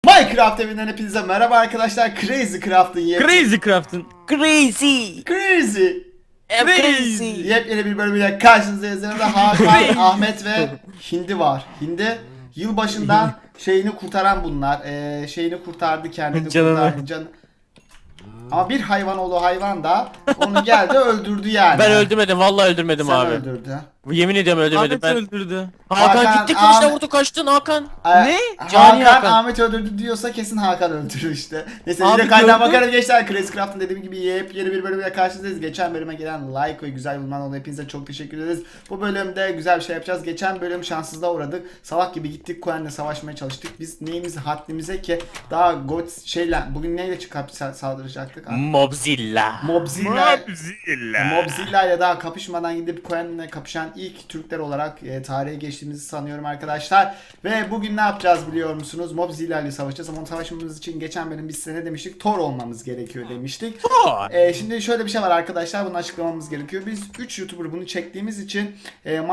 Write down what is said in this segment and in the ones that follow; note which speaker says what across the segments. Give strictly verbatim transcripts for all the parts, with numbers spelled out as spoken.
Speaker 1: Minecraft evinden hepinize merhaba arkadaşlar. Crazy Craft'ın yep
Speaker 2: Crazy Craft'ın
Speaker 3: Crazy.
Speaker 1: Crazy
Speaker 3: Crazy.
Speaker 1: yepyeni bir bölümüyle karşınızdayız. Yanımda Hakan, Ahmet ve Hindi var. Hindi yılbaşından şeyini kurtaran bunlar. Ee, şeyini kurtardı, kendini
Speaker 2: Canını.
Speaker 1: kurtardı. Can... Ama bir hayvan oğlu hayvan da onu geldi öldürdü yani.
Speaker 3: Ben öldürmedim, vallahi öldürmedim
Speaker 1: Sen
Speaker 3: abi.
Speaker 1: öldürdü.
Speaker 3: Yemin ediyorum öldürmedim
Speaker 2: Ahmet
Speaker 3: ben.
Speaker 2: öldürdü.
Speaker 3: Hakan,
Speaker 1: Hakan,
Speaker 3: gitti kılıçla
Speaker 1: Ahmet-
Speaker 3: vurdu, kaçtın Hakan.
Speaker 1: Ee,
Speaker 2: Ne?
Speaker 3: Cani
Speaker 1: Hakan,
Speaker 3: Hakan.
Speaker 1: Ahmet öldürdü diyorsa kesin Hakan öldürür işte. Neyse
Speaker 2: Abi
Speaker 1: yine kaynağa
Speaker 2: gördün.
Speaker 1: bakarız gençler. Crazy Craft'ın dediğim gibi yepyeni bir bölümle karşınızdayız. Geçen bölüme gelen like ve güzel yorumlar oldu. Hepinize çok teşekkür ederiz. Bu bölümde güzel bir şey yapacağız. Geçen bölüm şanssızlığa uğradık. Salak gibi gittik Kuen'le savaşmaya çalıştık. Biz neyimiz haddimize ki daha God şeyle bugün neyle çıkıp saldıracaktık?
Speaker 3: Mobzilla.
Speaker 1: Mobzilla.
Speaker 2: Mobzilla.
Speaker 1: Mobzilla ile daha kapışmadan gidip Kuen'le kapışan ilk Türkler olarak e, tarihe geçtiğimizi sanıyorum arkadaşlar. Ve bugün ne yapacağız biliyor musunuz? Mobzilla ile savaşacağız ama onu savaşmamız için geçen bölüm biz size ne demiştik? Thor olmamız gerekiyor demiştik.
Speaker 3: Thor.
Speaker 1: E, şimdi şöyle bir şey var arkadaşlar, bunu açıklamamız gerekiyor. Biz üç YouTuber bunu çektiğimiz için e, ma-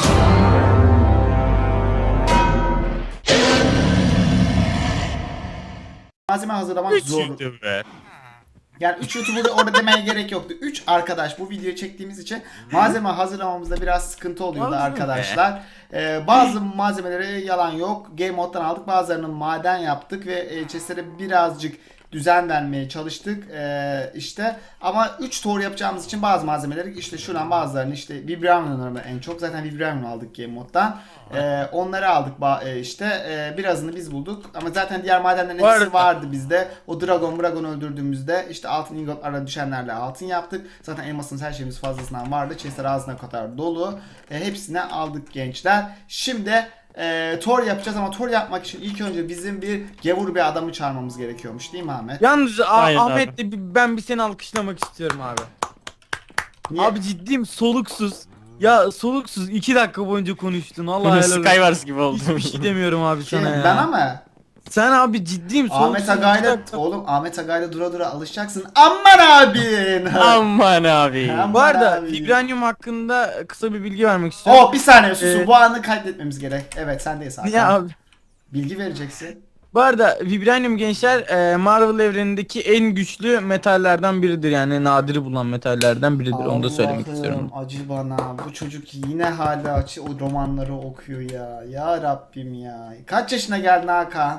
Speaker 1: malzeme hazırlamak zor. Yani üç YouTuber'ı orada demeye gerek yoktu. üç arkadaş bu videoyu çektiğimiz için malzeme hazırlamamızda biraz sıkıntı oluyordu
Speaker 2: Malzeme.
Speaker 1: arkadaşlar. Ee, bazı malzemeleri yalan yok. Game moddan aldık. Bazılarını maden yaptık ve e, chestlere birazcık düzen vermeye çalıştık. Ee, işte ama üç Thor yapacağımız için bazı malzemeleri işte şuradan bazılarını işte Vibranium'ları en çok zaten Vibranium aldık Game moddan. Ee, onları aldık ba- e, işte e, birazını biz bulduk ama zaten diğer madenlerin
Speaker 2: Bu
Speaker 1: hepsi
Speaker 2: arada-
Speaker 1: vardı bizde. O Dragon Dragon öldürdüğümüzde işte altın ingotlara düşenlerle altın yaptık. Zaten elmasımız her şeyimiz fazlasından vardı. Chestler ağzına kadar dolu. E, hepsini aldık gençler. Şimdi e, Thor yapacağız ama Thor yapmak için ilk önce bizim bir gevur bir adamı çağırmamız gerekiyormuş değil mi Ahmet?
Speaker 2: Yalnız A-
Speaker 3: Aynen abi.
Speaker 2: Ahmet de bir- ben bir seni alkışlamak istiyorum abi.
Speaker 1: Niye?
Speaker 2: Abi ciddiyim, soluksuz. Ya soluksuz iki dakika boyunca konuştun. Allah helal olsun.
Speaker 3: Skywars gibi oldu.
Speaker 2: Hiçbir şey demiyorum abi
Speaker 1: Şey,
Speaker 2: sana ya.
Speaker 1: ben ama
Speaker 2: Sen abi ciddiyim soluksuz.
Speaker 1: Ahmet
Speaker 2: iki
Speaker 1: Agay'la
Speaker 2: dakika.
Speaker 1: oğlum Ahmet Agay'la dura dura alışacaksın. Aman abin.
Speaker 3: Aman abi.
Speaker 1: Aman
Speaker 2: Bu arada
Speaker 1: abi.
Speaker 2: Vibranium hakkında kısa bir bilgi vermek istiyorum.
Speaker 1: Oh bir saniye susun,
Speaker 2: Ee,
Speaker 1: bu anı kaydetmemiz gerek. Evet sendeyiz Hakan.
Speaker 2: Ya abi.
Speaker 1: Bilgi vereceksin.
Speaker 2: Bu arada Vibranium gençler e, Marvel evrenindeki en güçlü metallerden biridir, yani nadiri bulunan metallerden biridir, onu da söylemek
Speaker 1: Allah'ım,
Speaker 2: istiyorum.
Speaker 1: acı bana, bu çocuk yine hala açı o romanları okuyor ya. Ya Rabbim ya. Kaç yaşına geldin Hakan?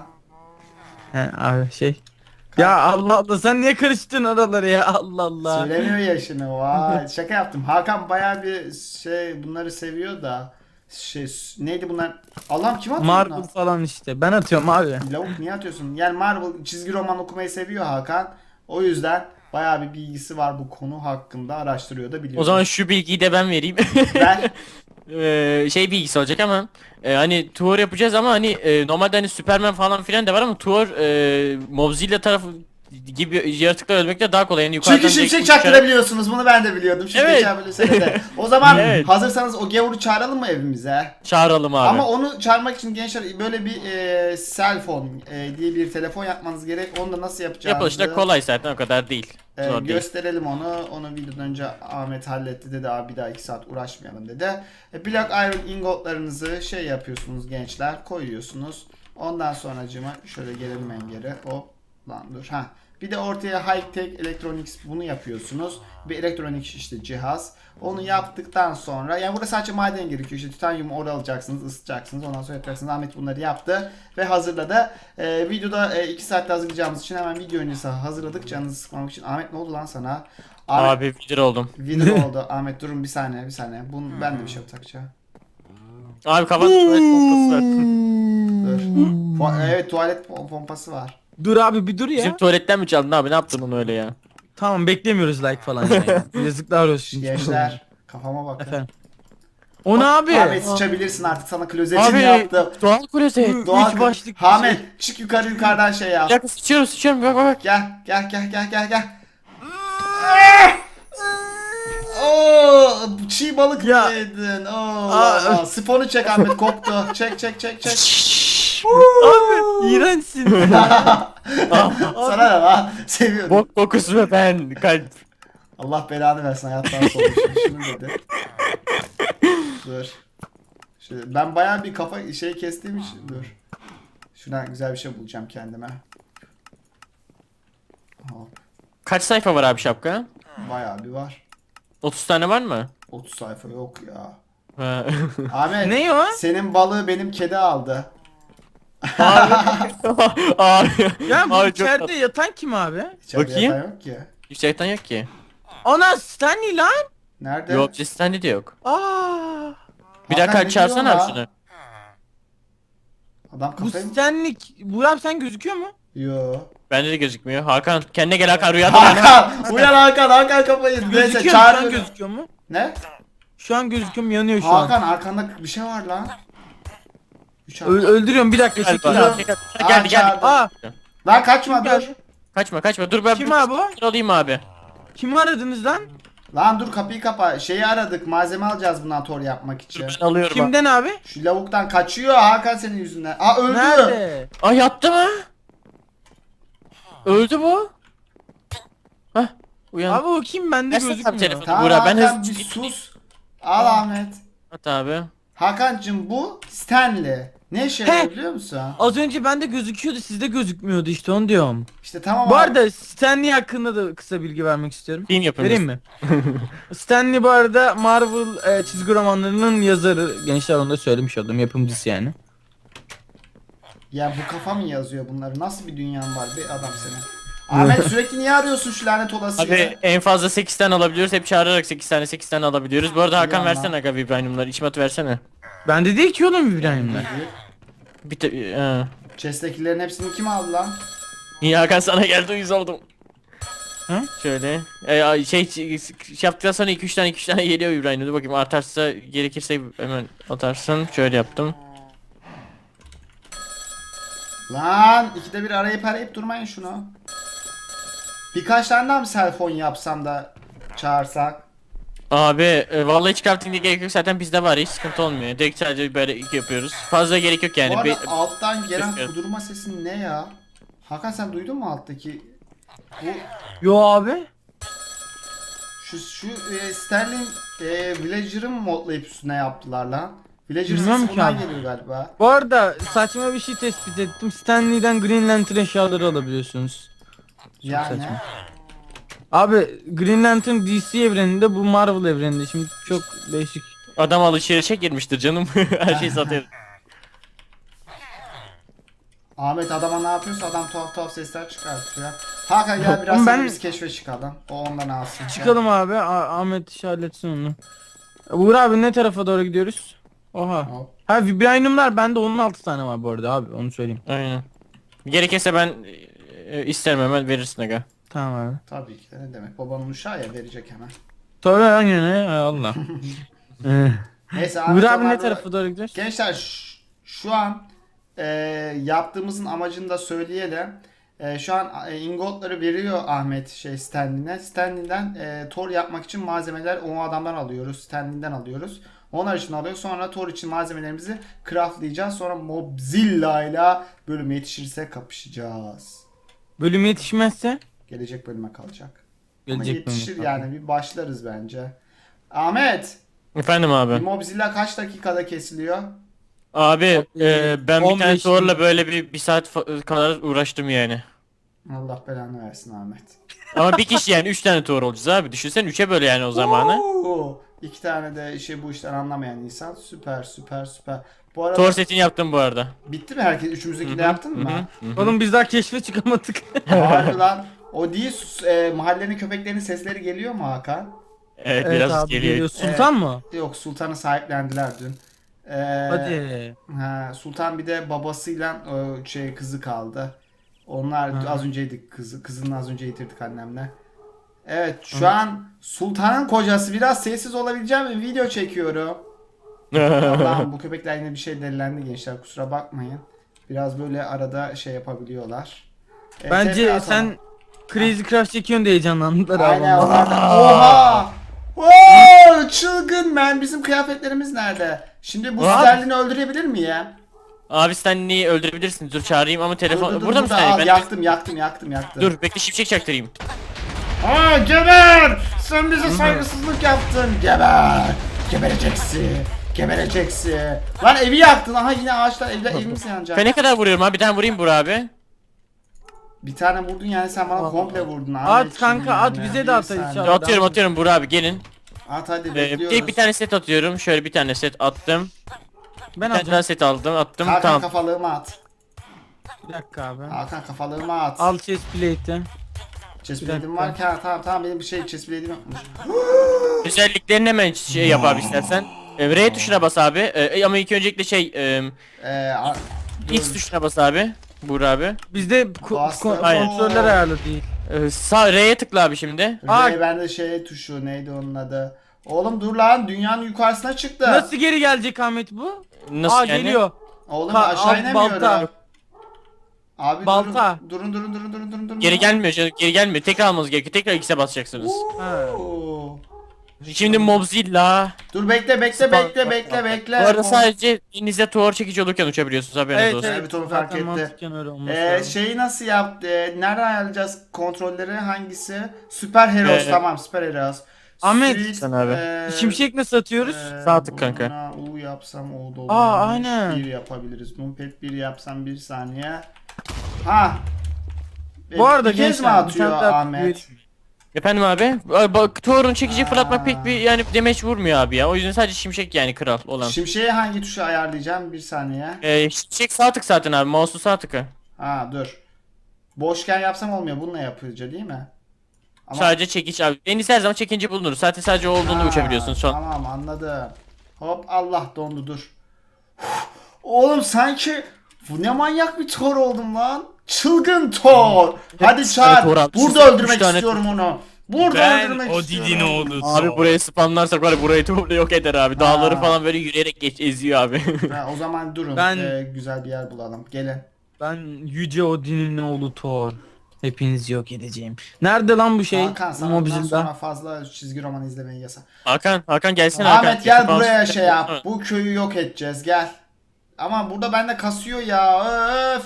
Speaker 2: He abi şey. Ya Allah Allah, sen niye karıştın oraları ya, Allah Allah.
Speaker 1: Söylemiyor yaşını. Vay şaka yaptım. Hakan bayağı bir şey bunları seviyor da. Şey neydi bunlar? Allah'ım kim atıyor
Speaker 2: Marvel
Speaker 1: bunlar?
Speaker 2: falan işte, ben atıyorum abi.
Speaker 1: Lavuk niye atıyorsun? Yani Marvel çizgi roman okumayı seviyor Hakan. O yüzden bayağı bir bilgisi var bu konu hakkında, araştırıyor da biliyor.
Speaker 3: O zaman şu bilgiyi de ben vereyim.
Speaker 1: ben
Speaker 3: Ee, şey bilgisi olacak ama e, hani Thor yapacağız ama hani e, normalde hani Superman falan filan da var ama Thor e, Mobzilla tarafı gibi yaratıklar ölmekte daha kolay. Yani yukarıdan
Speaker 1: çünkü
Speaker 3: direkt
Speaker 1: şimşek
Speaker 3: uçarak-
Speaker 1: çaktırabiliyorsunuz. Bunu ben de biliyordum. Çünkü
Speaker 3: Evet.
Speaker 1: geçen bölüm de. O zaman
Speaker 3: Evet.
Speaker 1: hazırsanız o gavuru çağıralım mı evimize?
Speaker 3: Çağıralım abi.
Speaker 1: Ama onu çağırmak için gençler böyle bir e, cell phone e, diye bir telefon yapmanız gerek. Onu da nasıl yapacağınızı
Speaker 3: Yapılışı da kolay zaten, o kadar değil.
Speaker 1: e,
Speaker 3: Zor değil.
Speaker 1: gösterelim onu. Onu videodan önce Ahmet halletti dedi. Abi bir daha iki saat uğraşmayalım dedi. E, Black Iron ingotlarınızı şey yapıyorsunuz gençler. Koyuyorsunuz. Ondan sonracığıma şöyle gelelim en geri. Hop lan dur. Ha. Bir de ortaya High Tech Electronics bunu yapıyorsunuz. Bir elektronik işte cihaz. Onu yaptıktan sonra yani burada sadece maden gerekiyor. İşte titanyumu orada alacaksınız, ısıtacaksınız. Ondan sonra yapacaksınız. Ahmet bunları yaptı ve hazırladı. Ee, videoda iki e, saatte hazırlayacağımız için hemen video öncesi hazırladık. Canınızı sıkmamak için. Ahmet ne oldu lan sana? Ahmet,
Speaker 3: Abi vidir oldum.
Speaker 1: video oldu. Ahmet durun bir saniye, bir saniye. Bunu ben de bir şey takacağım.
Speaker 3: Abi kafanda tuvalet pompası var.
Speaker 1: Dur. Fu- evet tuvalet pom- pompası var.
Speaker 2: Dur abi bir dur ya.
Speaker 3: Bizim tuvaletten mi çaldın abi, ne yaptın onu öyle ya?
Speaker 2: Tamam, beklemiyoruz like falan yani. Yazıklar olsun.
Speaker 1: Gençler kafama bakın.
Speaker 2: Efendim. O ne abi?
Speaker 1: Ahmet sıçabilirsin artık, sana klozetini
Speaker 3: Abi
Speaker 1: yaptım.
Speaker 3: doğal klozet.
Speaker 1: Doğal
Speaker 2: üç başlık bir
Speaker 1: Ahmet çık yukarı, yukarıdan şey yap.
Speaker 3: Bir dakika sıçıyorum sıçıyorum bak bak bak.
Speaker 1: Gel gel gel gel gel gel. Oo, çiğ balık
Speaker 2: Ya.
Speaker 1: yedin. Oo,
Speaker 2: Aa.
Speaker 1: aa, sifonu çek Ahmet, koktu. Çek çek çek çek.
Speaker 2: Abi iğrençsin.
Speaker 1: Sana ne lan? Seviyorum.
Speaker 3: Bok kokusu ve ben kalp.
Speaker 1: Allah belanı versin, hayattan soğumuş. Şunu dedi. Dur. Şöyle, ben bayağı bir kafa şey kestiğim için dur. Şuradan güzel bir şey bulacağım kendime. Hop.
Speaker 3: Kaç sayfa var abi şapka?
Speaker 1: Bayağı bir var.
Speaker 3: otuz tane var mı?
Speaker 1: otuz sayfa yok ya.
Speaker 3: Ha.
Speaker 1: Ahmet.
Speaker 2: Ne o?
Speaker 1: Senin balığı benim kedi aldı.
Speaker 3: Abi.
Speaker 2: Ya bu
Speaker 3: Abi çok
Speaker 2: içeride
Speaker 3: tatlı.
Speaker 2: yatan kim abi?
Speaker 1: İçeride
Speaker 3: Bakayım.
Speaker 1: yatan yok ki.
Speaker 3: Yüksekten yok ki.
Speaker 2: Ana Stanley lan.
Speaker 1: Nerede?
Speaker 3: Yok Cis'ten de yok.
Speaker 2: Aa.
Speaker 3: Bir
Speaker 1: Hakan,
Speaker 3: dakika
Speaker 1: ne
Speaker 3: çağırsana
Speaker 1: diyorsun
Speaker 3: abi
Speaker 1: la?
Speaker 3: şunu.
Speaker 1: Adam
Speaker 2: Bu
Speaker 1: kafayı mı?
Speaker 2: Stanley. Burak sen gözüküyor mu?
Speaker 1: Yo.
Speaker 3: Bende de gözükmüyor. Hakan kendine gel Hakan rüyada bana.
Speaker 1: Hakan! Uyan Hakan! Hakan kafayı yedi. Neyse
Speaker 2: Gözüküyor mu? Şu an
Speaker 1: çağır.
Speaker 2: gözüküyor mu?
Speaker 1: Ne?
Speaker 2: Şu an gözüküyor mu? Yanıyor şu an.
Speaker 1: Hakan arkanda bir şey var lan. Üç
Speaker 2: Ö-
Speaker 1: Hakan.
Speaker 2: öldürüyorum bir dakika
Speaker 3: Gel
Speaker 2: çekil
Speaker 3: bana.
Speaker 2: abi.
Speaker 3: Geldi
Speaker 1: Aa,
Speaker 3: geldi.
Speaker 1: çağırdı.
Speaker 2: Aa
Speaker 1: Lan kaçma
Speaker 2: Kim
Speaker 1: dur.
Speaker 2: geldi?
Speaker 3: Kaçma kaçma dur ben
Speaker 2: Kim
Speaker 3: bir
Speaker 2: abi o?
Speaker 3: bir alayım abi.
Speaker 2: kimi aradınız lan?
Speaker 1: Lan dur kapıyı kapa. Şeyi aradık. Malzeme alacağız bundan tor yapmak
Speaker 3: Dur
Speaker 1: için.
Speaker 3: ben alıyorum. Kim?
Speaker 2: Kimden abi?
Speaker 1: Şu lavuktan kaçıyor Hakan senin yüzünden. Aa öldü.
Speaker 2: Nerede?
Speaker 3: Ay yattı mı? Öldü bu. Hah uyan.
Speaker 2: Abi o kim? Bende
Speaker 3: Versene abi
Speaker 2: gözükmüyor.
Speaker 3: telefonu.
Speaker 1: Tamam
Speaker 3: Buğra, ben
Speaker 1: Hakan
Speaker 3: hızlı-
Speaker 1: bir sus. Al Ahmet.
Speaker 3: At abi.
Speaker 1: Hakan'cım bu Stanley. Ne işe
Speaker 2: He.
Speaker 1: yarıyor biliyor musun?
Speaker 2: Az önce bende gözüküyordu sizde gözükmüyordu işte onu diyorum.
Speaker 1: İşte tamam
Speaker 2: Bu
Speaker 1: abi.
Speaker 2: arada Stanley hakkında da kısa bilgi vermek istiyorum.
Speaker 3: Film yapın.
Speaker 2: Vereyim mi? Stanley bu arada Marvel e, çizgi romanlarının yazarı. Gençler onu da söylemiş oldum. Yapımcısı yani.
Speaker 1: Ya bu kafa mı yazıyor bunları? Nasıl bir dünyan var be adam senin? Ahmet sürekli niye arıyorsun şu lanet olasıyı?
Speaker 3: Abi en fazla sekiz tane alabiliyoruz. Hep çağırarak sekiz tane sekiz tane alabiliyoruz. Bu arada Hakan
Speaker 1: Yalan.
Speaker 3: versene aga Vibranium'ları. İçime at versene.
Speaker 2: Bende değil ki oğlum İbrahim'den.
Speaker 3: Bir te ee.
Speaker 1: Chest'tekilerin hepsini kim aldı lan?
Speaker 3: İyi Hakan sana geldi uyuz oldum.
Speaker 2: Hı?
Speaker 3: Şöyle. Ee, ay, şey, şey yaptıktan sonra iki üç tane iki üç tane geliyor İbrahim. Dur bakayım artarsa gerekirse hemen atarsın. Şöyle yaptım.
Speaker 1: Lan ikide bir arayıp arayıp durmayın şunu. Birkaç tane daha mı selfon yapsam da çağırsak?
Speaker 3: Abi e, vallahi çıkartın diye gerek yok zaten bizde var hiç sıkıntı olmuyor. Direkt sadece böyle iki yapıyoruz. Fazla gerek yok yani.
Speaker 1: Bu arada
Speaker 3: Be-
Speaker 1: alttan gelen
Speaker 3: Ses-
Speaker 1: kudurma sesi ne ya? Hakan sen duydun mu alttaki? Bu
Speaker 2: Yo abi.
Speaker 1: şu şu e, Sterling e, Villager'ı mı modlayıp üstüne yaptılar lan? Villager
Speaker 2: Bilmiyorum
Speaker 1: sesi
Speaker 2: ki
Speaker 1: bundan
Speaker 2: abi.
Speaker 1: geliyor galiba.
Speaker 2: Bu arada saçma bir şey tespit ettim. Stanley'den Green Lantern eşyaları alabiliyorsunuz.
Speaker 1: Yani
Speaker 2: saçma. Abi Green Lantern D C evreninde, bu Marvel evreninde. Şimdi çok değişik.
Speaker 3: Adam alışverişe girmiştir canım. Her şeyi satıyor.
Speaker 1: Ahmet adama ne yapıyorsa adam tuhaf tuhaf sesler çıkartıyor. Hakan gel biraz
Speaker 2: Oğlum ben-
Speaker 1: ben... biz keşfe çıkalım. O ondan alsın. Gel.
Speaker 2: Çıkalım abi. A- Ahmet iş halletsin onu. Uğur abi ne tarafa doğru gidiyoruz? Oha.
Speaker 1: Hop.
Speaker 2: Ha Vibranium'lar bende onun altı tane var bu arada abi, onu söyleyeyim.
Speaker 3: Aynen. Gerekirse ben e, isterim hemen verirsin aga.
Speaker 2: Tamam abi.
Speaker 1: Tabii ki de ne demek. Babanın uşağı ya verecek hemen.
Speaker 2: Tabii aynen he, hay Allah. Eh.
Speaker 1: Neyse
Speaker 2: Uğur
Speaker 1: Ahmet
Speaker 2: abi ne
Speaker 1: onlar-
Speaker 2: tarafa doğru gidiyoruz?
Speaker 1: Gençler ş- şu an e, yaptığımızın amacını da söyleyelim. E, şu an e, ingotları veriyor Ahmet şey Stanley'ne. Stanley'den e, Thor yapmak için malzemeler o adamdan alıyoruz. Stanley'den alıyoruz. Onlar için alıyor. Sonra Thor için malzemelerimizi craftlayacağız. Sonra Mobzilla ile bölüme yetişirse kapışacağız.
Speaker 2: Bölüm yetişmezse
Speaker 1: Gelecek bölüme kalacak. Ama
Speaker 2: gelecek bölüm.
Speaker 1: yetişir yani bir başlarız bence. Ahmet,
Speaker 3: Efendim
Speaker 1: bir
Speaker 3: abi.
Speaker 1: Mobzilla kaç dakikada kesiliyor?
Speaker 3: Abi e, ben bir
Speaker 2: on
Speaker 3: tane
Speaker 2: beş
Speaker 3: Thor'la böyle bir, bir saat fa- kadar uğraştım yani.
Speaker 1: Allah belanı versin Ahmet.
Speaker 3: Ama bir kişi yani üç tane Thor olacağız abi. Düşünsen üçe böyle yani o zamanı.
Speaker 1: Oo, İki tane de şey bu işten anlamayan insan. Süper süper süper. Bu arada
Speaker 3: Thor setini yaptım bu arada.
Speaker 1: bitti mi herkes? Üçümüzdeki de
Speaker 3: Hı hı,
Speaker 1: yaptın mı?
Speaker 3: hı hı.
Speaker 2: Oğlum biz daha keşfe çıkamadık.
Speaker 1: Harbi lan. O değil sus- e, mahallenin köpeklerinin sesleri geliyor mu Hakan?
Speaker 3: Evet,
Speaker 2: Evet
Speaker 3: biraz
Speaker 2: abi
Speaker 3: geliyor.
Speaker 2: geliyor. Sultan mı?
Speaker 1: Yok Sultan'ı sahiplendiler dün. Ee,
Speaker 2: Hadi.
Speaker 1: Ha, Sultan bir de babasıyla o şey kızı kaldı. Onlar
Speaker 2: Ha.
Speaker 1: az önceydik kızı. Kızını az önce yitirdik annemle. Evet şu an Sultan'ın kocası, biraz sessiz olabileceğim mi? Video çekiyorum. Allah'ım bu köpekler yine bir şey delilendi gençler, kusura bakmayın. Biraz böyle arada şey yapabiliyorlar. Evet,
Speaker 2: Bence
Speaker 1: tekrar
Speaker 2: sen
Speaker 1: sana.
Speaker 2: Crazy Craft çekiyorsun diye heyecanlandılar abi.
Speaker 1: Aynen
Speaker 2: onlar.
Speaker 1: onlar da- Oha! Oo, çılgın men, bizim kıyafetlerimiz nerede? Şimdi bu
Speaker 3: Abi.
Speaker 1: Sterling'i öldürebilir miyim?
Speaker 3: Abi sen neyi öldürebilirsin? Dur çağırayım ama telefon...
Speaker 1: Dur, dur, dur,
Speaker 3: burada mısın?
Speaker 1: burada.
Speaker 3: Yani?
Speaker 1: Al,
Speaker 3: Ben...
Speaker 1: yaktım yaktım yaktım yaktım.
Speaker 3: Dur bekle şimşek çaktırayım.
Speaker 1: Aa geber! Sen bize saygısızlık yaptın. Geber! Gebereceksin. Gebereceksin. Lan evi yaktın. Aha yine ağaçlar evde evimiz yanacak.
Speaker 3: Ben ne kadar vuruyorum abi? Bir tane vurayım Burak abi.
Speaker 1: Bir tane vurdun yani sen bana komple vurdun.
Speaker 2: At
Speaker 1: Ahmetciğim
Speaker 2: kanka, at,
Speaker 1: yani.
Speaker 2: bize de
Speaker 1: Bir
Speaker 2: at
Speaker 1: saniye.
Speaker 2: inşallah.
Speaker 3: Atıyorum atıyorum Burak abi gelin.
Speaker 1: At hadi
Speaker 3: Ee,
Speaker 1: bekliyoruz.
Speaker 3: bir, bir tane set atıyorum. Şöyle bir tane set attım.
Speaker 2: Ben
Speaker 3: Bir tane daha
Speaker 2: alacağım.
Speaker 3: set aldım attım.
Speaker 1: Hakan
Speaker 3: Tamam.
Speaker 1: kafalığıma at.
Speaker 2: Bir dakika abi.
Speaker 1: Hakan kafalığıma at.
Speaker 2: Al chest plate'i.
Speaker 1: Chestplate'im
Speaker 2: bir dakika.
Speaker 1: var ki ha, tamam tamam benim bir şey chestplate'im yokmuş.
Speaker 3: Özelliklerini hemen şey yap abi istersen. Ee, R tuşuna bas abi. Ee, ama ilk öncelikle şey e,
Speaker 1: Eee a-
Speaker 3: X
Speaker 1: dur.
Speaker 3: tuşuna bas abi. Burak abi.
Speaker 2: Bizde ko-
Speaker 1: Bastım.
Speaker 2: ko-
Speaker 3: Aynen.
Speaker 2: kontroller ayarlı değil.
Speaker 3: Ee, sağ R'ye tıkla abi şimdi.
Speaker 2: Aa.
Speaker 1: Ray bende şey tuşu neydi onun adı? Oğlum dur lan dünyanın yukarısına çıktı.
Speaker 2: Nasıl geri gelecek Ahmet bu?
Speaker 3: Nasıl
Speaker 2: Aa
Speaker 3: yani?
Speaker 2: geliyor.
Speaker 1: Oğlum
Speaker 2: Ha,
Speaker 1: aşağı
Speaker 2: al,
Speaker 1: inemiyorum.
Speaker 2: balta.
Speaker 1: Abi
Speaker 2: Balta.
Speaker 1: durun durun durun durun durun durun.
Speaker 3: Geri gelmiyor canım, geri gelmiyor. Tekrar almanız gerekiyor. Tekrar X'e basacaksınız.
Speaker 2: Ha.
Speaker 1: Oo.
Speaker 3: Şimdi Mobzilla.
Speaker 1: Dur bekle bekle bekle bekle bekle.
Speaker 3: Bu arada sadece elinizde tuvar çekici olurken uçabiliyorsunuz, haberiniz
Speaker 2: Evet
Speaker 3: olsun.
Speaker 2: evet.
Speaker 1: Evet, onu fark
Speaker 2: Zaten
Speaker 1: etti.
Speaker 2: mantıken öyle olması
Speaker 1: Ee,
Speaker 2: lazım.
Speaker 1: şeyi nasıl yaptı? Nereden ayarlayacağız kontrolleri? Hangisi? Süper Heroes
Speaker 3: Ee,
Speaker 1: tamam Süper Heroes.
Speaker 2: Ahmet,
Speaker 1: Suite,
Speaker 3: sen abi.
Speaker 1: ee,
Speaker 2: Şimşek nasıl atıyoruz?
Speaker 1: ee,
Speaker 3: Sağ tık kanka.
Speaker 1: buna U yapsam o da olur.
Speaker 2: Aa, aynen.
Speaker 1: bir yapabiliriz. Numpad bir yapsam bir saniye. Ha.
Speaker 2: Bu arada
Speaker 1: bir kez mi
Speaker 2: gençler, bir
Speaker 1: atıyor
Speaker 2: tane daha
Speaker 1: Ahmet?
Speaker 3: Efendim abi? Ay, Bak tuvarın çekici
Speaker 1: Aa.
Speaker 3: fırlatmak pek bir yani demeç vurmuyor abi ya. O yüzden sadece şimşek yani kral olan.
Speaker 1: Şimşeği hangi tuşa ayarlayacağım? Bir saniye.
Speaker 3: Ee, şimşek sağ tık zaten abi. Mouse'u sağ tıkı.
Speaker 1: Ha dur. Boşken yapsam olmuyor. Bununla yapıcı değil mi? Ama-
Speaker 3: Sadece çekiç abi. En iyisi her zaman çekince bulunur. Zaten sadece o olduğunda
Speaker 1: Ha,
Speaker 3: uçabiliyorsun son.
Speaker 1: Tamam anladım. Hop Allah dondu dur. Uf, oğlum sanki bu ne manyak bir Thor oldum lan. Çılgın Thor. Hadi
Speaker 3: tane
Speaker 1: çağır.
Speaker 3: Thor almışız,
Speaker 1: Burada
Speaker 3: üç
Speaker 1: öldürmek
Speaker 3: tane
Speaker 1: istiyorum onu. Burada
Speaker 2: Ben
Speaker 1: öldürmek
Speaker 2: Odin'in
Speaker 1: istiyorum.
Speaker 2: oğlu.
Speaker 3: Abi burayı spamlarsak var ya, burayı topla yok eder abi. Dağları
Speaker 1: Ha.
Speaker 3: falan böyle yürüyerek geç eziyor abi.
Speaker 1: Ha, o zaman durun.
Speaker 2: Ben-
Speaker 1: Ee, güzel bir yer bulalım. Gelin.
Speaker 2: Ben Yüce Odin'in oğlu Thor. Hepinizi yok edeceğim. Nerede lan bu şey?
Speaker 1: Hakan sana bundan sonra
Speaker 2: Mobzilla.
Speaker 1: fazla çizgi roman izlemeyi yasak.
Speaker 3: Hakan, Hakan gelsene Hakan.
Speaker 1: Ahmet gel
Speaker 3: Spawn-
Speaker 1: buraya şey yap. Bu köyü yok edeceğiz gel. Ama burada bende kasıyor ya. Öf.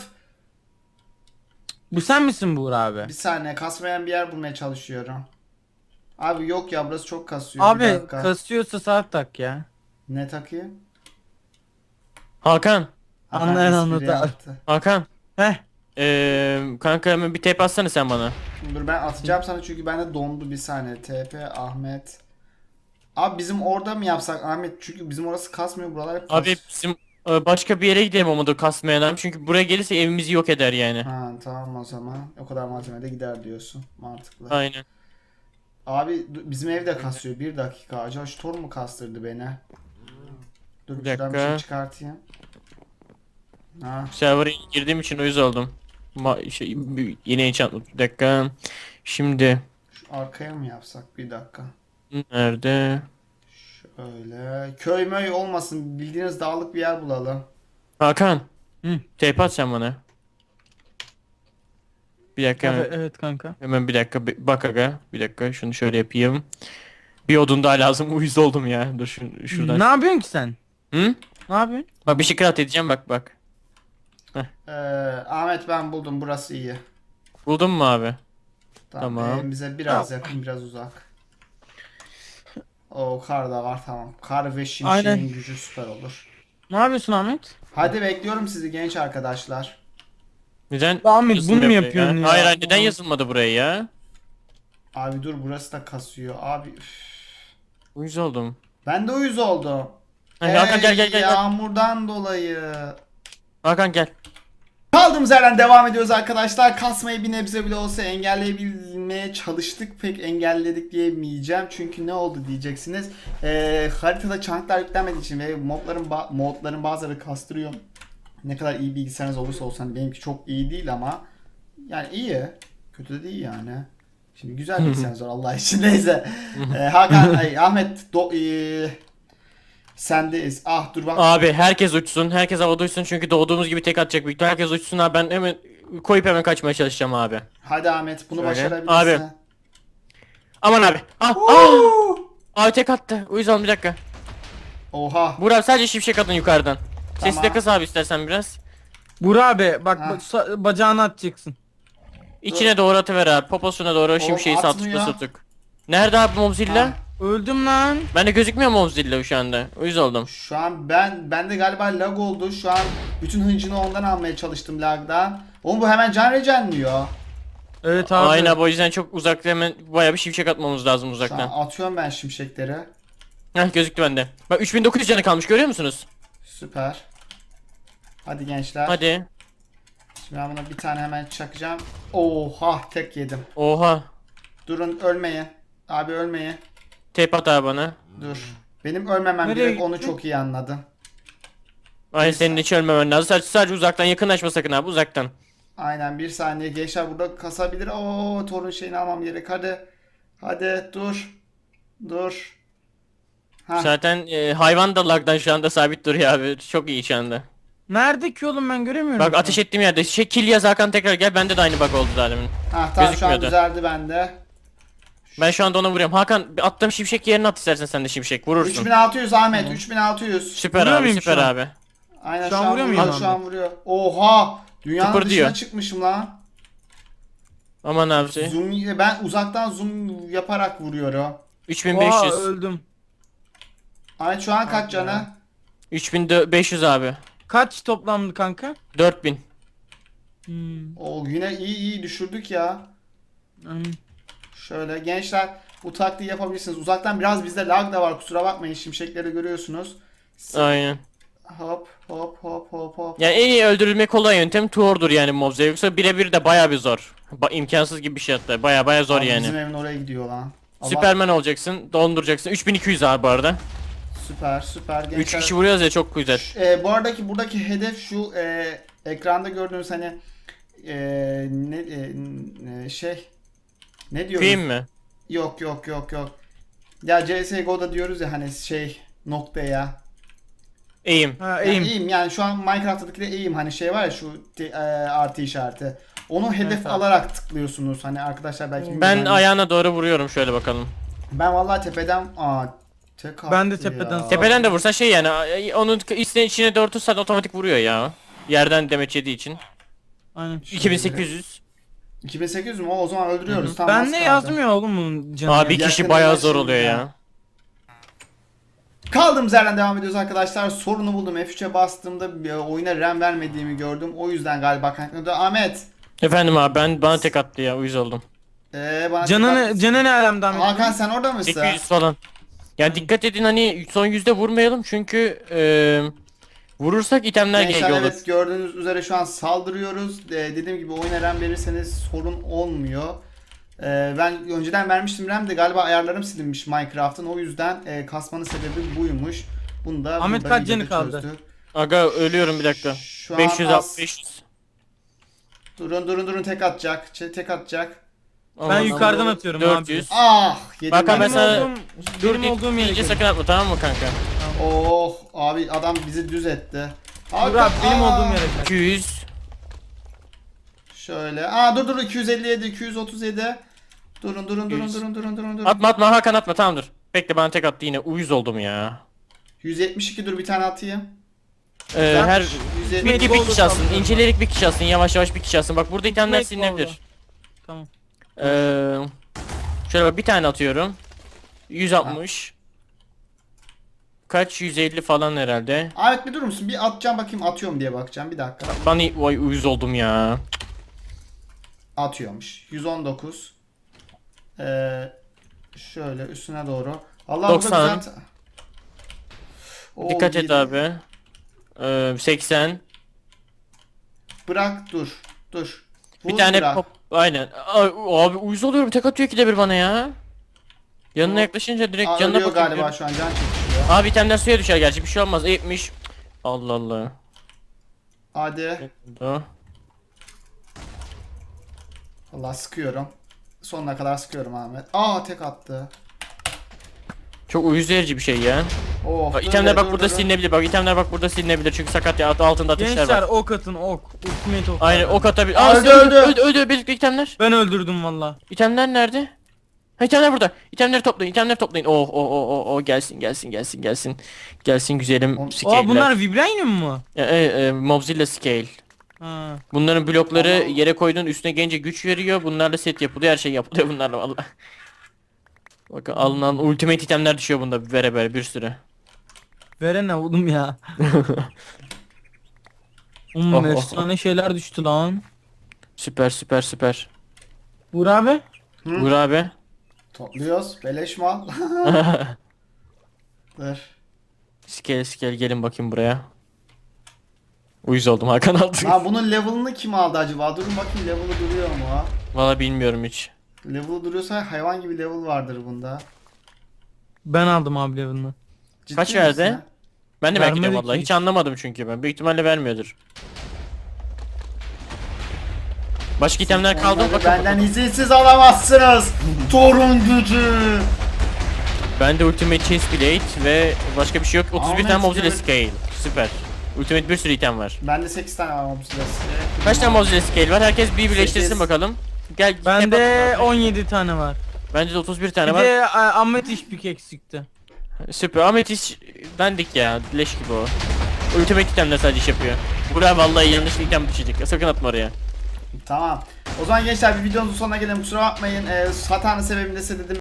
Speaker 2: Bu sen misin Buğra abi?
Speaker 1: Bir saniye kasmayan bir yer bulmaya çalışıyorum. Abi yok ya burası çok kasıyor. Bir
Speaker 2: Abi
Speaker 1: dakika.
Speaker 2: kasıyorsa saat tak ya.
Speaker 1: Ne takayım?
Speaker 3: Hakan,
Speaker 1: Hakan
Speaker 2: Anlayan
Speaker 1: espri
Speaker 2: anladı.
Speaker 1: yaptı.
Speaker 3: Hakan.
Speaker 2: Heh.
Speaker 3: Ee, kanka hemen bir tape atsana sen bana.
Speaker 1: Dur ben atacağım sana çünkü bende dondu bir saniye. T P Ahmet. Abi bizim orada mı yapsak Ahmet? Çünkü bizim orası kasmıyor buralar hep kas.
Speaker 3: Abi bizim e, başka bir yere gidelim olmadı kasmayan adam. Çünkü buraya gelirse evimizi yok eder yani.
Speaker 1: Ha tamam o zaman. O kadar malzeme de gider diyorsun. Mantıklı.
Speaker 3: Aynen.
Speaker 1: Abi du- bizim ev de kasıyor. Bir dakika. Acaba şu Thor mu kastırdı beni? Dur
Speaker 3: Bir
Speaker 1: şuradan bir
Speaker 3: dakika.
Speaker 1: şey çıkartayım. Ha.
Speaker 3: Server'a girdiğim için uyuz oldum. Ma şey, bir- yine enchantment. Bir dakika. Şimdi
Speaker 1: Şu arkaya mı yapsak? Bir dakika.
Speaker 3: nerede?
Speaker 1: Şöyle. Köy möy olmasın. Bildiğiniz dağlık bir yer bulalım.
Speaker 3: Hakan.
Speaker 2: Hı.
Speaker 3: Tape at sen bana. Bir dakika.
Speaker 2: Evet,
Speaker 3: Hemen,
Speaker 2: evet kanka.
Speaker 3: hemen bir dakika. bir- Bak aga. Bir dakika. Şunu şöyle yapayım. Bir odun daha lazım. Uyuz oldum ya. Dur şu, şuradan.
Speaker 2: Ne yapıyorsun ki sen?
Speaker 3: Hı?
Speaker 2: Ne yapıyorsun?
Speaker 3: Bak bir şey craft edeceğim bak bak.
Speaker 1: Ee, Ahmet ben buldum. Burası iyi.
Speaker 3: Buldun mu abi?
Speaker 1: Tamam.
Speaker 3: Tamam.
Speaker 1: Evimize biraz yakın, biraz uzak. O kar da var tamam. Kar ve şimşeğin
Speaker 2: Aynen.
Speaker 1: gücü süper olur.
Speaker 2: Ne yapıyorsun Ahmet?
Speaker 1: Hadi bekliyorum sizi genç arkadaşlar.
Speaker 3: Neden?
Speaker 2: Ahmet,
Speaker 3: yazılmıyor
Speaker 2: bunu mu
Speaker 3: buraya
Speaker 2: yapıyorsun ya?
Speaker 3: Hayır hayır, neden yazılmadı buraya ya?
Speaker 1: Abi dur burası da kasıyor. Abi üf.
Speaker 3: Uyuz oldum.
Speaker 1: Ben de uyuz oldum.
Speaker 3: Hadi Hakan gel gel gel. gel.
Speaker 1: Yağmurdan dolayı.
Speaker 3: Hakan gel.
Speaker 1: Kaldığımız yerden devam ediyoruz arkadaşlar. Kasmayı bir nebze bile olsa engelleyebilmeye çalıştık. Pek engelledik diyemeyeceğim. Çünkü ne oldu diyeceksiniz. Ee, haritada çanklar yüklenmediği için ve modların, ba- modların bazıları kastırıyor. Ne kadar iyi bilgisayarınız olursa olsun. Hani benimki çok iyi değil ama yani iyi. Kötü de değil yani. Şimdi güzel bilgisayarınız var Allah için. Neyse. Ee, Hakan, ay, Ahmet do- ee, sendeyiz. Ah dur bak.
Speaker 3: Abi herkes uçsun. Herkes havada uçsun çünkü doğduğumuz gibi tek atacak büyük ihtimalle. Herkes uçsun abi, ben hemen koyup hemen kaçmaya çalışacağım abi.
Speaker 1: Hadi Ahmet bunu
Speaker 3: Şöyle.
Speaker 1: başarabilirsin.
Speaker 3: Abi. Aman abi. Ah, ah.
Speaker 1: Oo!
Speaker 3: Abi tek attı. Uyuz oldum bir dakika.
Speaker 1: Oha.
Speaker 3: Burak sadece şimşek atın yukarıdan. Sesi
Speaker 1: Tamam.
Speaker 3: de kıs abi istersen biraz.
Speaker 2: Buğra abi bak
Speaker 1: Ha.
Speaker 2: ba- sa- bacağını atacaksın.
Speaker 3: İçine doğru atıver abi. Poposuna doğru şimşeği saltıkla
Speaker 1: atmıyor.
Speaker 3: saltık. Nerede abi Mobzilla?
Speaker 1: Ha,
Speaker 2: Öldüm lan.
Speaker 3: Ben de gözükmüyor Mobzilla şu anda. Uyuz oldum.
Speaker 1: Şu an ben bende galiba lag oldu. Şu an bütün hıncını ondan almaya çalıştım lagdan. Oğlum bu hemen can regenliyor.
Speaker 2: Evet abi.
Speaker 3: Aynen abi, o yüzden çok uzakta hemen bayağı bir şimşek atmamız lazım
Speaker 1: Şu
Speaker 3: uzaktan.
Speaker 1: an atıyorum ben şimşekleri.
Speaker 3: Heh, gözüktü bende. Bak üç bin dokuz yüz canı kalmış, görüyor musunuz?
Speaker 1: Süper. Hadi gençler.
Speaker 3: Hadi.
Speaker 1: Şimdi ben buna bir tane hemen çakacağım. Oha tek yedim.
Speaker 3: Oha.
Speaker 1: Durun ölmeyin. Abi ölmeyin.
Speaker 3: Tape at abi bana.
Speaker 1: Dur. Benim ölmemem
Speaker 2: Nereye
Speaker 1: gerek, onu
Speaker 2: gitti?
Speaker 1: çok iyi anladım.
Speaker 3: Aynen, senin hiç ölmemen lazım. Sadece, sadece uzaktan, yakınlaşma sakın abi, uzaktan.
Speaker 1: Aynen bir saniye gençler burada kasabilir. Oo torun şeyini almam gerek. Hadi. Hadi dur. Dur. Ha.
Speaker 3: Zaten e, hayvan da lagdan şu anda sabit duruyor abi. Çok iyi şu anda.
Speaker 2: Nerede ki oğlum, ben göremiyorum.
Speaker 3: Bak
Speaker 2: şu an.
Speaker 3: ateş ettiğim yerde. Şey, kill yaz Hakan, tekrar gel. Bende de aynı bug oldu zaten.
Speaker 1: Ha tamam şu an
Speaker 3: gözükmüyordu.
Speaker 1: düzeldi bende.
Speaker 3: Ben şu anda ona vuruyorum. Hakan, bir attığım şimşek yerine at istersen sen de şimşek. Vurursun.
Speaker 1: üç bin altı yüz Ahmet, üç bin altı yüz.
Speaker 3: Süper
Speaker 2: Vuruyor
Speaker 3: abi,
Speaker 2: muyum
Speaker 3: süper
Speaker 2: şu an?
Speaker 3: abi.
Speaker 1: Aynen
Speaker 2: Şu an vuruyor muyum
Speaker 1: Şu an
Speaker 2: Ahmet?
Speaker 1: vuruyor. Oha! Dünyanın
Speaker 3: Tıpır
Speaker 1: dışına
Speaker 3: diyor.
Speaker 1: çıkmışım lan.
Speaker 3: Aman abi. Şey.
Speaker 1: Zoom, ben uzaktan zoom yaparak vuruyorum.
Speaker 3: üç bin beş
Speaker 2: Oha,
Speaker 3: yüz.
Speaker 2: öldüm.
Speaker 1: Ahmet şu an kaç canı?
Speaker 3: üç bin beş yüz abi.
Speaker 2: Kaç toplamdı kanka?
Speaker 3: dört bin.
Speaker 2: Hmm.
Speaker 1: Oo yine iyi iyi düşürdük ya.
Speaker 2: hmm.
Speaker 1: Şöyle gençler bu taktiği yapabilirsiniz. Uzaktan biraz bizde lag da var, kusura bakmayın, şimşekleri görüyorsunuz.
Speaker 3: Aynen.
Speaker 1: Hop hop hop hop hop.
Speaker 3: Yani en iyi öldürülme kolay yöntem Tuor'dur yani Mobze. Yoksa birebir de baya bir zor. Ba imkansız gibi bir şey hatta. Baya baya zor
Speaker 1: Abi
Speaker 3: yani.
Speaker 1: Bizim evin oraya gidiyor lan. Allah-
Speaker 3: Süperman olacaksın, donduracaksın. üç bin iki yüz abi bu arada.
Speaker 1: Süper süper gençler.
Speaker 3: üç kişi vuruyoruz ya, çok güzel.
Speaker 1: E, bu aradaki buradaki hedef şu, e, ekranda gördüğünüz hani e, ne e, n- şey ne diyoruz?
Speaker 3: Film mi?
Speaker 1: Yok yok yok yok. Ya C S G O'da diyoruz ya hani şey noktaya.
Speaker 3: Eğim.
Speaker 2: Ha
Speaker 1: Yani
Speaker 2: eğim.
Speaker 1: eğim, yani şu an Minecraft'taki de eğim hani şey var ya şu te- e, artı işareti. Onu hedef
Speaker 2: Evet abi.
Speaker 1: alarak tıklıyorsunuz hani arkadaşlar belki
Speaker 3: Ben
Speaker 1: bilmiyorum. Hani
Speaker 3: ayağına doğru vuruyorum, şöyle bakalım.
Speaker 1: ben vallahi tepeden aa tek
Speaker 2: Ben de
Speaker 1: attı
Speaker 2: tepeden-
Speaker 1: ya.
Speaker 3: Tepeden de vursa şey yani, ay- onun içine, içine doğru tutsan otomatik vuruyor ya. Yerden demeç yediği için.
Speaker 2: Aynen.
Speaker 3: iki bin sekiz yüz.
Speaker 1: iki bin sekiz yüz mü? O, o zaman öldürüyoruz. Tamam,
Speaker 2: Ben
Speaker 1: az
Speaker 2: de
Speaker 1: kaldı.
Speaker 2: yazmıyor oğlum bunun canı.
Speaker 3: Abi bir
Speaker 2: ya.
Speaker 3: kişi
Speaker 1: yakın
Speaker 3: bayağı zor
Speaker 1: ulaşım
Speaker 3: oluyor
Speaker 1: ya.
Speaker 3: ya.
Speaker 1: Kaldığımız yerden devam ediyoruz arkadaşlar. Sorunu buldum. F üçe bastığımda bir oyuna RAM vermediğimi gördüm. O yüzden galiba kaynaklanıyordu. Ahmet.
Speaker 3: Efendim abi, ben bana tek attı ya, uyuz oldum.
Speaker 1: Ee, bana
Speaker 2: Canını,
Speaker 1: dikkat-
Speaker 2: canı ne alemden?
Speaker 1: Hakan sen orada mısın?
Speaker 3: sekiz yüz falan. Yani dikkat edin, hani son yüzde vurmayalım çünkü eee vurursak itemler
Speaker 1: Gençler
Speaker 3: G G olur.
Speaker 1: evet gördüğünüz üzere şu an saldırıyoruz. Ee, dediğim gibi oyuna RAM verirseniz sorun olmuyor. Ee, ben önceden vermiştim RAM de galiba ayarlarım silinmiş Minecraft'ın. O yüzden e, kasmanın sebebi buymuş. Bunu da
Speaker 2: Ahmet
Speaker 1: burada
Speaker 2: kaç canı
Speaker 1: videoda
Speaker 2: kaldı?
Speaker 1: çözdük.
Speaker 3: Aga ölüyorum bir dakika.
Speaker 1: Şu an
Speaker 3: beş yüz
Speaker 1: az.
Speaker 3: beş yüz.
Speaker 1: Durun durun durun tek atacak. Ç- Tek atacak.
Speaker 2: Ben
Speaker 3: Aman
Speaker 2: yukarıdan
Speaker 3: Allah'ım.
Speaker 2: atıyorum
Speaker 3: dört yüz.
Speaker 2: abi.
Speaker 1: Ah! Yedim
Speaker 3: Hakan,
Speaker 1: ben
Speaker 3: ben
Speaker 1: de.
Speaker 3: sana-
Speaker 2: Olduğum,
Speaker 3: Dur
Speaker 2: benim olduğum yere
Speaker 3: deyince
Speaker 2: gel.
Speaker 3: sakın atma, tamam mı kanka?
Speaker 1: Oh abi adam bizi düz etti.
Speaker 2: Dur abi benim
Speaker 1: aa!
Speaker 2: olduğum yere gel.
Speaker 3: iki yüz.
Speaker 1: Şöyle. Aa dur dur iki yüz elli yedi, iki yüz otuz yedi. Durun durun durun
Speaker 3: yüz.
Speaker 1: durun durun durun durun.
Speaker 3: Atma atma Hakan, atma, tamam dur. Bekle, bana tek attı yine, uyuz oldum ya.
Speaker 1: yüz yetmiş iki dur bir tane atayım.
Speaker 3: Ee,
Speaker 1: Güzel.
Speaker 3: her
Speaker 1: yüz yetmiş
Speaker 3: bir, bir
Speaker 2: olur,
Speaker 3: kişi alsın,
Speaker 2: tamam.
Speaker 3: incelerek bir kişi alsın, yavaş yavaş bir kişi alsın. Bak burada itemler
Speaker 2: Gitmek
Speaker 3: silinebilir.
Speaker 2: oldu. Tamam.
Speaker 3: Ee, şöyle bak, bir tane atıyorum. yüz altmış. Kaç, yüz elli falan herhalde.
Speaker 1: Ahmet bir durur musun? Bir atacağım bakayım atıyorum diye bakacağım. Bir dakika.
Speaker 3: Ben vay uyuz oldum ya.
Speaker 1: Atıyormuş. yüz on dokuz. Ee, şöyle üstüne doğru. Allah
Speaker 3: doksan.
Speaker 1: burada güzel. Oo,
Speaker 3: Dikkat et
Speaker 1: yedi.
Speaker 3: abi. Ee, seksen.
Speaker 1: Bırak dur. Dur.
Speaker 3: Bir
Speaker 1: Vur,
Speaker 3: tane
Speaker 1: bırak.
Speaker 3: pop. Aynen. Ay, abi uyuz oluyorum. Tek atıyor ki de bir bana ya. Yanına
Speaker 1: Hop.
Speaker 3: yaklaşınca direkt
Speaker 1: Aa,
Speaker 3: canına
Speaker 1: ölüyor
Speaker 3: bakıyorum.
Speaker 1: galiba şu an can çekişiyor.
Speaker 3: Abi itemler suya düşer gerçi, bir şey olmaz. yetmiş. Allah Allah.
Speaker 1: Hadi.
Speaker 3: O.
Speaker 1: Allah sıkıyorum. Sonuna kadar sıkıyorum Ahmet. Aa tek attı.
Speaker 3: Çok uyuz verici bir şey ya.
Speaker 1: Oh,
Speaker 3: Bak
Speaker 1: dur
Speaker 3: itemler
Speaker 1: be,
Speaker 3: bak
Speaker 1: dur,
Speaker 3: burada
Speaker 1: dur.
Speaker 3: silinebilir. Bak itemler bak burada silinebilir çünkü sakat ya, altında ateşler
Speaker 2: Gençler
Speaker 3: var.
Speaker 2: ok atın ok. Ultimate ok.
Speaker 3: Aynen ok atabilir.
Speaker 1: Aa,
Speaker 3: Aa,
Speaker 1: öldü,
Speaker 3: öldü
Speaker 1: öldü.
Speaker 3: öldü öldü birlikte itemler.
Speaker 2: Ben öldürdüm valla.
Speaker 3: İtemler nerede? Ha, itemler burada. İtemleri toplayın, itemleri toplayın. Oh oh oh oh oh, gelsin gelsin gelsin gelsin. Gelsin güzelim
Speaker 1: Oğlum-
Speaker 3: scale'ler.
Speaker 2: Aa bunlar Vibranium mu?
Speaker 3: E, e, e, Mobzilla scale.
Speaker 2: Ha.
Speaker 3: Bunların blokları
Speaker 1: Tamam.
Speaker 3: yere koyduğun üstüne gelince güç veriyor. Bunlarla set yapılıyor, her şey yapılıyor bunlarla valla. Bakın alınan ultimate itemler düşüyor bunda bere bere bir sürü.
Speaker 2: Verene oğlum ya. Oğlum
Speaker 3: Oh, oh,
Speaker 2: efsane şeyler düştü lan.
Speaker 3: Süper süper süper.
Speaker 2: Uğur abi.
Speaker 1: Hı?
Speaker 3: Vur abi.
Speaker 1: Topluyoruz. Beleş mal. Dur.
Speaker 3: Skel skel gelin bakayım buraya. Uyuz oldum Hakan aldı.
Speaker 1: Ha bunun level'ını kim aldı acaba? Durun bakayım level'ı duruyor mu?
Speaker 3: Valla bilmiyorum hiç.
Speaker 1: Level'ı duruyorsa hayvan gibi level vardır bunda.
Speaker 2: Ben aldım abi level'ını.
Speaker 1: Ciddi
Speaker 3: Kaç
Speaker 1: misin
Speaker 3: verdi?
Speaker 1: ya?
Speaker 3: Ben de merak
Speaker 2: Vermedi
Speaker 3: ediyorum valla.
Speaker 2: ki.
Speaker 3: Hiç anlamadım çünkü ben. Büyük ihtimalle vermiyordur. Başka itemler kaldı mı
Speaker 1: Onları
Speaker 3: bakalım.
Speaker 1: benden izinsiz alamazsınız. Torun gücü.
Speaker 3: Bende Ultimate Chest Plate ve başka bir şey yok. otuz bir
Speaker 1: Ahmet
Speaker 3: tane Mozilla
Speaker 1: Gül.
Speaker 3: Scale. Süper. Ultimate bir sürü item var.
Speaker 1: Bende sekiz tane var mob silahı.
Speaker 3: Kaç tane Mozilla Scale var? Herkes bir birleştirsin
Speaker 1: Sekiz.
Speaker 3: bakalım. Gel. gel
Speaker 2: Bende
Speaker 3: bakalım.
Speaker 2: on yedi tane var.
Speaker 3: Bende de otuz bir tane
Speaker 2: Bir
Speaker 3: var.
Speaker 2: de a, ametist bir eksikti.
Speaker 3: Süper. Ametist dandik ya. Leş gibi o. Ultimate itemler sadece iş yapıyor. Buraya vallahi yanlış bir item düşecek. Sakın atma oraya.
Speaker 1: Tamam. O zaman gençler bir videonun sonuna gelelim. Kusura bakmayın. Ee, hatanın sebebini de size dedim.